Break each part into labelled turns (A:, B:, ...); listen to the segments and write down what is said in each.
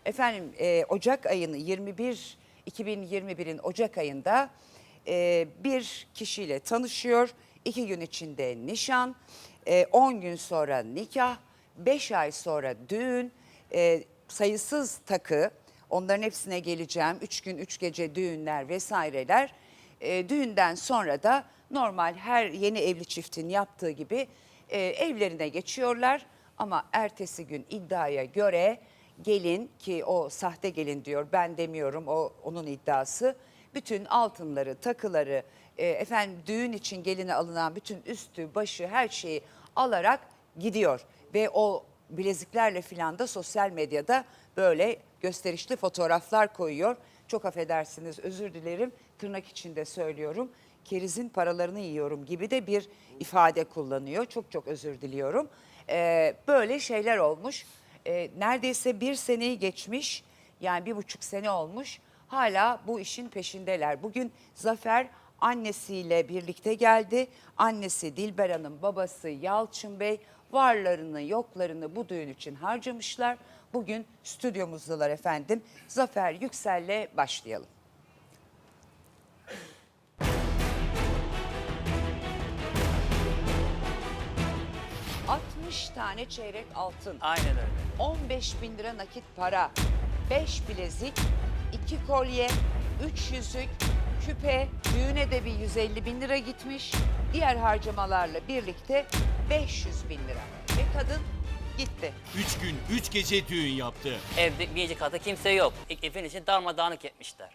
A: Efendim Ocak ayını 2021'in Ocak ayında bir kişiyle tanışıyor. 2 gün içinde nişan, 10 gün sonra nikah, 5 ay sonra düğün, sayısız takı, onların hepsine geleceğim. 3 gün 3 gece düğünler vesaireler. Düğünden sonra da normal her yeni evli çiftin yaptığı gibi evlerine geçiyorlar. Ama ertesi gün iddiaya göre gelin, ki o sahte gelin diyor, ben demiyorum, o onun iddiası, bütün altınları, takıları, efendim düğün için geline alınan bütün üstü, başı, her şeyi alarak gidiyor. Ve o bileziklerle filan da sosyal medyada böyle gösterişli fotoğraflar koyuyor. Çok affedersiniz, özür dilerim, tırnak içinde söylüyorum. Kerizin paralarını yiyorum gibi de bir ifade kullanıyor. Çok çok özür diliyorum. Böyle şeyler olmuş. Neredeyse 1 seneyi geçmiş, yani 1,5 sene olmuş. Hala bu işin peşindeler. Bugün Zafer annesiyle birlikte geldi. Annesi Dilber Hanım, babası Yalçın Bey varlarını yoklarını bu düğün için harcamışlar. Bugün stüdyomuzdalar efendim. Zafer Yüksel'le başlayalım. 60 tane çeyrek altın.
B: Aynen öyle.
A: 15.000 lira nakit para. 5 bilezik, 2 kolye, 3 yüzük, küpe, düğüne de bir 150.000 lira gitmiş. Diğer harcamalarla birlikte 500.000 lira. Ve kadın gitti.
C: 3 gün 3 gece düğün yaptı.
B: Evde bir katı kimse yok. Evin için darmadağınık etmişler.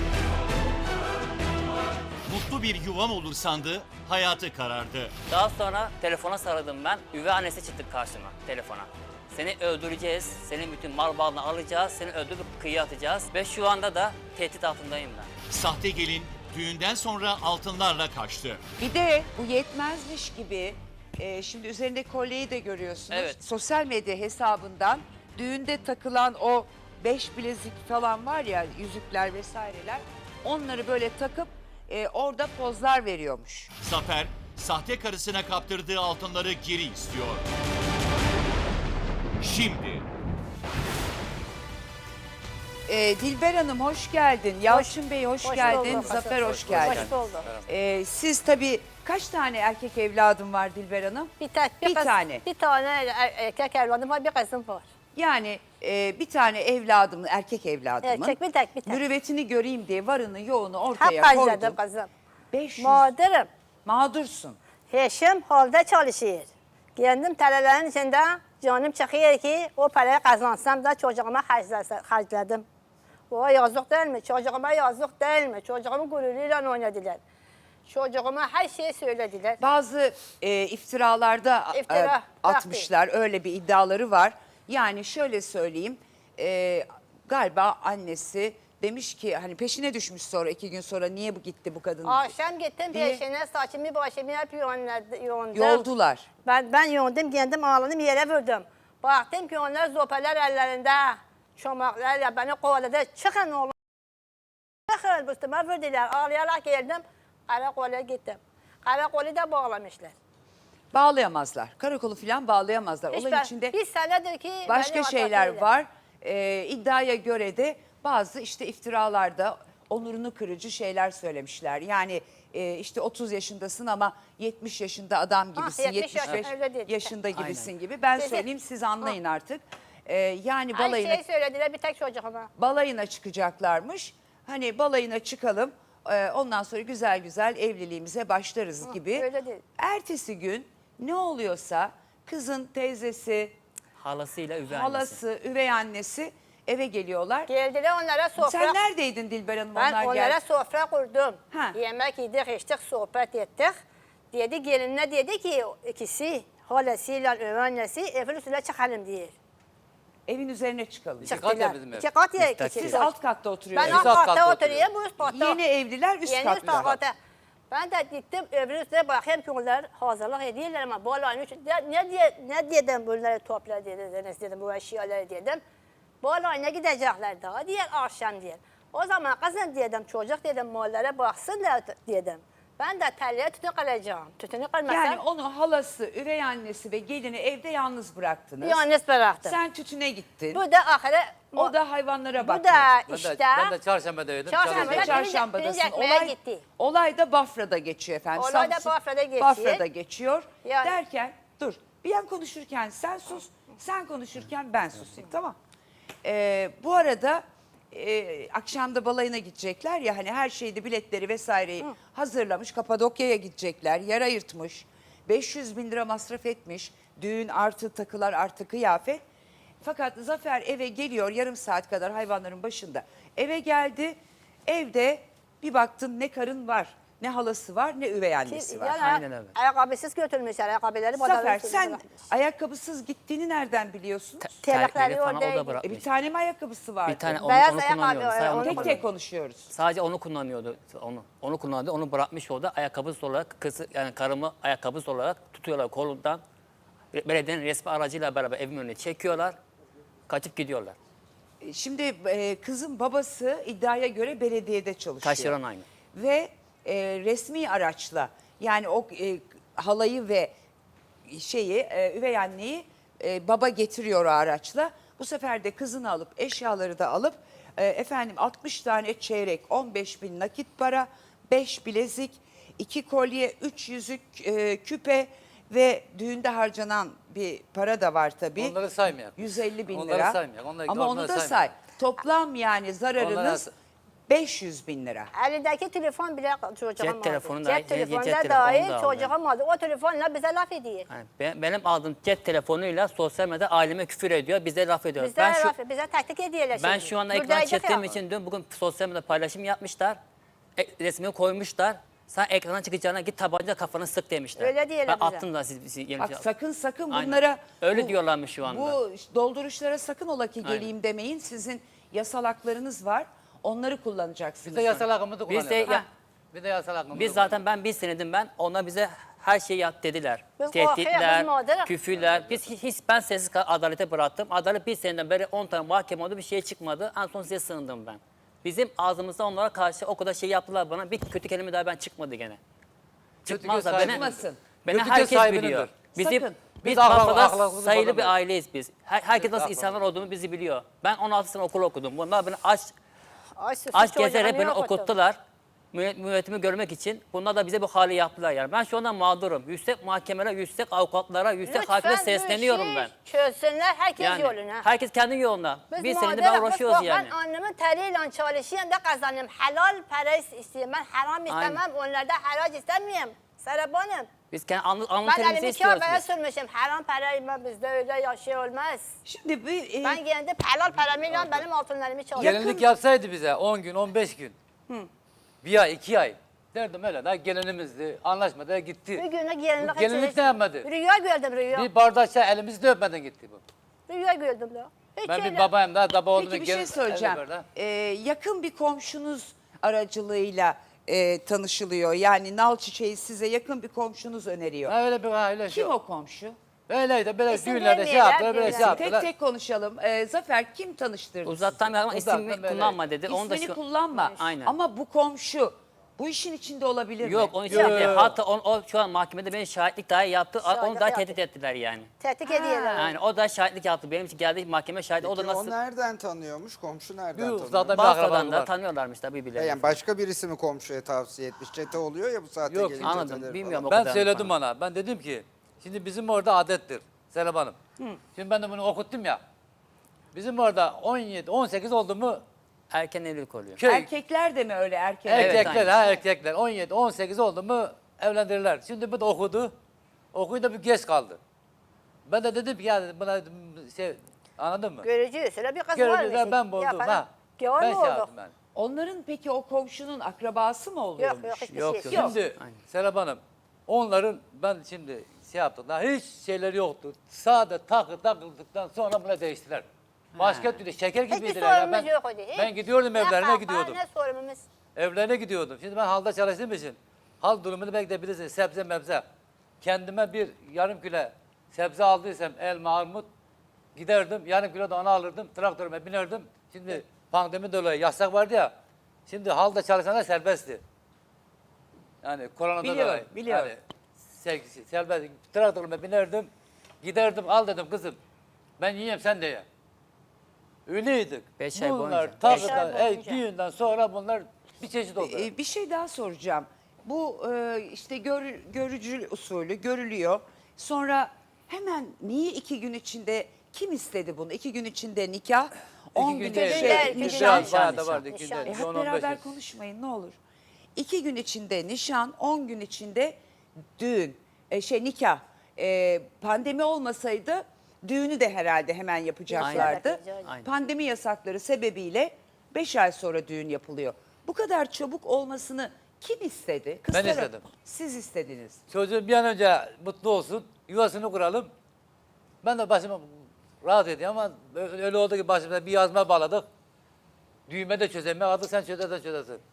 C: Mutlu bir yuvam olur sandı, hayatı karardı.
B: Daha sonra telefona sarıldım ben. Üvey annesi çıktı karşıma telefona. Seni öldüreceğiz, senin bütün mal varlığını alacağız, seni öldürüp kıyıya atacağız. Ve şu anda da tehdit altındayım ben.
C: Sahte gelin düğünden sonra altınlarla kaçtı.
A: Bir de bu yetmezmiş gibi şimdi üzerinde kolyeyi de görüyorsunuz.
B: Evet.
A: Sosyal medya hesabından düğünde takılan o 5 bilezik falan var ya, yüzükler vesaireler, onları böyle takıp orada pozlar veriyormuş.
C: Zafer, sahte karısına kaptırdığı altınları geri istiyor. Şimdi
A: Dilber Hanım hoş geldin. Yalçın Bey hoş geldin.
D: bulduk.
A: Zafer hoş geldin.
D: Hoş bulduk.
A: Siz tabii kaç tane erkek evladım var Dilber Hanım?
D: Bir
A: Bir tane.
D: Bir tane erkek evladım var, bir kızım var.
A: Yani bir tane evladımın, erkek evladımın
D: Erkek, bir tek.
A: mürüvvetini göreyim diye varını yoğunu
D: Hep
A: ortaya
D: harcadım
A: koydum.
D: kızım.
A: 500
D: Mağdurum.
A: mağdursun.
D: Eşim halde çalışıyor. Kendim telelerin içinde canım çıkıyor ki o parayı kazansam da çocuğuma harcadım. O yazık değil mi? Çocuğuma yazık değil mi? Çocuğumun gururuyla oynadılar. Çocuğuma her şeyi söylediler.
A: Bazı iftiralarda
D: İftira,
A: atmışlar, öyle bir iddiaları var. Yani şöyle söyleyeyim, galiba annesi demiş ki hani peşine düşmüş, sonra 2 gün sonra niye bu gitti bu kadın
D: Akşam gittim
A: diye
D: peşine, saçımı başımı hep yoğundum.
A: yoldular.
D: Ben yoğundum, kendim ağladım, yere vurdum. Baktım ki onlar zopalar ellerinde, çomaklarla beni kovaladı. Çıkın oğlum. Çıkın, üstüme vurdular. Ağlayarak geldim, karakola gittim. Karakolu da bağlamışlar.
A: Bağlayamazlar. Karakolu falan bağlayamazlar. Olayın içinde
D: bir senedir ki
A: başka
D: beni
A: şeyler
D: atakıyorlar.
A: var. İddiaya göre de bazı işte iftiralarda onurunu kırıcı şeyler söylemişler. Yani işte 30 yaşındasın ama 70 yaşında adam gibisin,
D: 70
A: 75
D: öyle değil.
A: yaşında gibisin gibi. Ben
D: Dedi.
A: söyleyeyim, siz anlayın artık. Yani
D: Her
A: balayına,
D: şeyi söylediler, bir tek çocuğuma.
A: balayına çıkacaklarmış. Hani balayına çıkalım, ondan sonra güzel güzel evliliğimize başlarız gibi.
D: öyle değil.
A: Ertesi gün ne oluyorsa kızın teyzesi,
B: Halasıyla üvey annesi.
A: halası, üvey annesi eve geliyorlar.
D: Geldiler onlara sofra.
A: Sen neredeydin Dilber Hanım?
D: Ben
A: onlar
D: onlara
A: geldi.
D: sofra kurdum.
A: Ha.
D: Yemek yedik, içtik, sohbet ettik. Dedi gelinine dedi ki ikisi, halasıyla üvey annesi evin üstüne çıkalım diye.
A: Evin üzerine çıkalım.
B: kat ya
D: Çıktılar.
B: bizim ev.
D: 2 kat ya
B: Müstakil.
D: ikisi.
A: Siz alt katta
D: Ben
A: oturuyorsunuz.
D: alt
B: alt
D: katta
B: katta
D: oturuyorum, bu üst katta.
A: Yeni evliler üst
D: Yeni üst
A: katta.
D: katta. Ben de gittim evin üstüne bakayım ki onlar hazırlık ediyorlar ama bu alanın içinde ne dedim bunları topla dedim bu eşyaları dedim. Bu alana gidecekler daha diğer akşam diye. O zaman kızım dedim çocuk dedim mallara baksın da dedim. Ben de telleye tütün kalacağım. Tütünü kalmasam
A: Yani onu halası, üvey annesi ve gelini evde yalnız bıraktınız.
D: yalnız bıraktım.
A: Sen tütüne gittin.
D: Bu da ahire
A: O da hayvanlara
D: bu
A: bakmıyor.
D: da
E: Ben
D: işte
E: de çarşambadaydım.
D: Çarşamba-
A: Sen de
D: Birinci-
A: çarşambadasın.
D: birinci ekmeğe
A: Olay,
D: gitti.
A: olay da Bafra'da geçiyor efendim.
D: Olay da
A: Samsun-
D: Bafra'da geçiyor.
A: Bafra'da geçiyor.
D: Yani-
A: Derken dur bir an konuşurken sen sus, sen konuşurken ben susayım tamam. Bu arada akşamda balayına gidecekler ya hani her şeyde biletleri vesaireyi hazırlamış. Kapadokya'ya gidecekler. Yer ayırtmış. 500 bin lira masraf etmiş. Düğün artı takılar artı kıyafet. Fakat Zafer eve geliyor yarım saat kadar hayvanların başında. Eve geldi. Evde bir baktın ne karın var, ne halası var, ne üvey annesi var.
D: yani
B: Aynen öyle.
D: ayakkabısız götürmüşler. Ayakkabıları
A: Zafer
D: bodrum-
A: sen ayakkabısız gittiğini nereden biliyorsun?
D: Terlikleri
B: Terlikleri falan o
D: oradaydı.
B: da bırakmış.
A: Bir tane mi ayakkabısı vardı?
B: Bir tane onu,
D: Beyaz
B: onu
D: ayakkabı,
B: kullanıyordu. Sadece
D: onu
B: onu,
A: Tek
B: kullanıyordu.
A: tek konuşuyoruz.
B: Sadece onu kullanıyordu. Onu kullandı. Onu bırakmış orada. Ayakkabısız olarak kızı yani karımı ayakkabısız olarak tutuyorlar kolundan. Belediyenin resmi aracıyla beraber evin önüne çekiyorlar. Kaçıp gidiyorlar.
A: Şimdi kızın babası iddiaya göre belediyede çalışıyor.
B: Taşeron aynı.
A: Ve resmi araçla yani o halayı ve üvey anneyi baba getiriyor o araçla. Bu sefer de kızını alıp eşyaları da alıp efendim 60 tane çeyrek, 15 bin nakit para, 5 bilezik, 2 kolye, 3 yüzük, küpe ve düğünde harcanan bir para da var tabii.
E: Onları saymayak.
A: 150 bin
E: Onları
A: lira.
E: saymayak. Onları-
A: Ama onu
E: onları
A: da say.
E: saymayak.
A: Toplam yani zararınız
E: Onları-
A: 500 bin lira.
D: Elindeki telefon bile çocuğum
B: Cep
D: aldı.
B: telefonu da-
D: Cep telefonu
B: cep
D: da
B: telefonu
D: dahil
B: da aldı.
D: çocuğum aldı. O telefonla bize laf ediyor.
B: Yani benim aldığım cep telefonuyla sosyal medyada aileme küfür ediyor. Bize laf ediyor.
D: Bize laf, bize taktik ediyorlar
B: Ben
D: şimdi.
B: şu anda ekran
D: Buradaydık
B: çektiğim
D: ya.
B: için dün bugün sosyal medyada paylaşım yapmışlar. Resmini koymuşlar. Sen ekrana çıkacağına git tabanca kafanı sık demişler.
D: Öyle diyorlar
B: Ben
D: bize.
B: attım da siz yeni
A: Bak sakın
B: Aynen.
A: bunlara
B: Öyle diyorlarmış şu anda.
A: Bu dolduruşlara sakın ola ki
B: Aynen.
A: geleyim demeyin. Sizin yasal haklarınız var. Onları kullanacaksınız.
E: Biz de yasal hakkımızı
B: Biz de
E: kullanıyoruz.
B: ya-
E: Bir de yasal hakkımızı
B: Biz zaten bir senedim ben. Onlar bize her şeyi yap dediler.
D: Biz korkuyoruz,
B: Tehditler,
D: biz mağdur.
B: küfürler. Ben sessiz adalete bıraktım. Adalet bir seneden beri 10 tane mahkeme oldu bir şey çıkmadı. En son size sığındım ben. Bizim ağzımızda onlara karşı o kadar şey yaptılar bana. Bir kötü kelime daha ben çıkmadı gene.
E: Kötü
B: Çıkmaz da
E: göz
B: beni,
A: Çıkmasın.
B: beni
E: Kötü
B: herkes
E: göz sahibinindir.
B: biliyor.
A: Sakın.
B: Biz
E: Biz ahlak-
B: Bafra'da
E: ahlakımızı
B: sayılı bir
E: bozamayız.
B: aileyiz biz. Herkes nasıl
E: Biz
B: insanlar olduğunu bizi biliyor. Ben 16 sene okul okudum. Bunlar beni aç
D: Sus,
B: gezerek
D: çocuğumu
B: beni
D: okuttum.
B: okuttular. Müvettimi görmek için. Bunlar da bize bu hali yaptılar yani. Ben şu anda mağdurum. Yüksek mahkemelere, yüksek avukatlara, yüksek hakime sesleniyorum ben.
D: Çözsünler herkes
B: Yani
D: yoluna.
B: herkes kendi yoluna. Bir senedir
D: mağduruz,
B: ben
D: biz
B: uğraşıyoruz
D: bak,
B: yani.
D: Ben annemin teriyle çalışıyorum da kazanıyorum. Helal para istiyorum. Ben haram istemem.
B: Aynen.
D: Onlarda harac istemiyorum. Seraphanım.
B: Biz kendi alnı
D: Ben
B: terimizi
D: elimi
B: istiyoruz
D: kâbeye
B: biz.
D: sürmüşüm. Haram parayı ben bizde öyle yaşay olmaz.
A: Şimdi bir
D: Ben kendi helal paramıyla benim altınlarımı çalışıyorum.
E: Gelinlik yapsaydı bize 10 gün, 15 gün. Bir ay, 2 ay. Derdim öyle da gelinimizdi. Anlaşmadı gitti.
D: Bir güne gelinlik
E: Bu gelinlik ne yapmadı?
D: Rüya gördüm rüya.
E: Bir bardak çay elimizde öpmeden gitti bu.
D: Rüya gördüm da. Hiç
E: Ben bir
D: öyle-
E: babayım da baba oğlunu
A: peki bir şey söyleyeceğim. Yakın bir komşunuz aracılığıyla tanışılıyor. Yani nal çiçeği size yakın bir komşunuz öneriyor.
E: Ha, öyle
A: Kim
E: şey.
A: o komşu?
E: Öyleydi böyle
D: İsim
E: düğünlerde şey
D: vermeyeler,
E: yaptılar, böyle şey
D: bilmem.
A: Tek
E: yaptılar.
A: tek konuşalım. Zafer kim tanıştırdı
B: Uzaktan bir ama
E: Uzaktan
B: ismini
E: böyle.
B: kullanma dedi. Onu da
A: İsmini
B: şu...
A: kullanma.
B: Aynen.
A: Ama bu komşu bu işin içinde olabilir mi?
B: Yok onun için
E: Yok.
B: değil. Hatta o şu an mahkemede beni şahitlik dahi yaptı. Onu
D: Şahitlik
B: da
D: yaptı.
B: tehdit ettiler yani.
D: Tehdit ediyorlar.
B: Yani o da şahitlik yaptı. Benim için geldi mahkeme şahidi. O da
F: Peki
B: nasıl...
F: o nereden tanıyormuş? Komşu nereden
E: Bir
F: tanıyor?
E: uzaktan bir
B: Bafra'dan
E: akrabalık
B: da
E: var.
B: tanıyorlarmış tabii birbirlerini.
F: Yani başka birisi mi komşuya tavsiye etmiş? Çete oluyor ya bu saatte
E: Yok,
F: gelin
B: anladım.
F: çeteleri
B: Bilmiyorum.
F: falan.
B: O
E: Ben
B: kadar
E: söyledim
B: falan.
E: ona. Ben dedim ki şimdi bizim orada adettir Serap Hanım. Şimdi ben de bunu okuttum ya. Bizim orada 17, 18 oldu mu
B: Erken evlilik oluyor.
E: köy
A: Erkekler de mi öyle erkek?
B: Evet,
E: erkekler
B: aynen.
E: erkekler 17, 18 oldu mu evlendirirler. Şimdi bu da okudu. Okuyunca bir geç kaldı. Ben de dedim ki ya dedim, buna dedim, şey anladın mı?
D: Görücü şöyle bir kız
E: Görücüler
D: varmış.
E: ben buldum
D: Yapalım.
E: ha.
D: Gavur
E: Ben
D: mu
E: şey
D: olduk?
E: yaptım ben.
A: Onların peki o komşunun akrabası mı oluyormuş?
D: Yok hiçbir
B: Yok,
D: şey.
B: yok.
E: Şimdi Serap Hanım onların ben şimdi şey yaptık daha hiç şeyleri yoktu. Sade takıldıktan sonra bunu değiştiler. Başka türlü şeker
D: Hiçbir
E: gibiydiler. Ya.
D: sorunumuz yok o değil.
E: Ben gidiyordum
D: Ne
E: evlerine
D: kavga,
E: gidiyordum.
D: Ne sorunumuz.
E: Evlerine gidiyordum. Şimdi ben halda çalıştığım için hal durumunu belki de bilirsiniz. Sebze mebze. Kendime bir yarım kilo sebze aldıysam elma, armut giderdim. Yarım kilo da onu alırdım. Traktörüme binerdim. Şimdi pandemi dolayı yasak vardı ya. Şimdi halda çalışanlar serbestti. Yani koronada
A: Biliyorum,
E: da
A: biliyorum.
E: Yani, sevgisi, serbest traktörüme binerdim. Giderdim al dedim kızım. Ben yiyeyim sen de ye. Öyleydik.
B: 5 ay
E: Bunlar
B: boyunca.
E: tabii
D: Beş ay boyunca.
E: düğünden sonra bunlar bir çeşit oldu.
A: Bir şey daha soracağım. Bu işte görücü usulü görülüyor. Sonra hemen niye 2 gün içinde kim istedi bunu? 2 gün içinde nikah, 10
E: gün
A: günde
E: değil,
D: iki gün
A: nişan.
D: değil.
E: bayağı da vardı.
D: Nişan.
E: Günde,
A: Hep
E: 10-15
A: beraber
E: yaş.
A: konuşmayın ne olur. 2 gün içinde nişan, 10 gün içinde düğün, nikah. Pandemi olmasaydı düğünü de herhalde hemen yapacaklardı.
D: Aynen.
B: Aynen.
A: Pandemi yasakları sebebiyle 5 ay sonra düğün yapılıyor. Bu kadar çabuk olmasını kim istedi? Kız
E: Ben
A: tarafı-
E: istedim.
A: Siz istediniz.
E: Çocuğum bir an önce mutlu olsun, yuvasını kuralım. Ben de başıma rahat edeyim ama öyle oldu ki başımıza bir yazma bağladık. Düğme de çözemiyor, adı sen çözersen çözersin.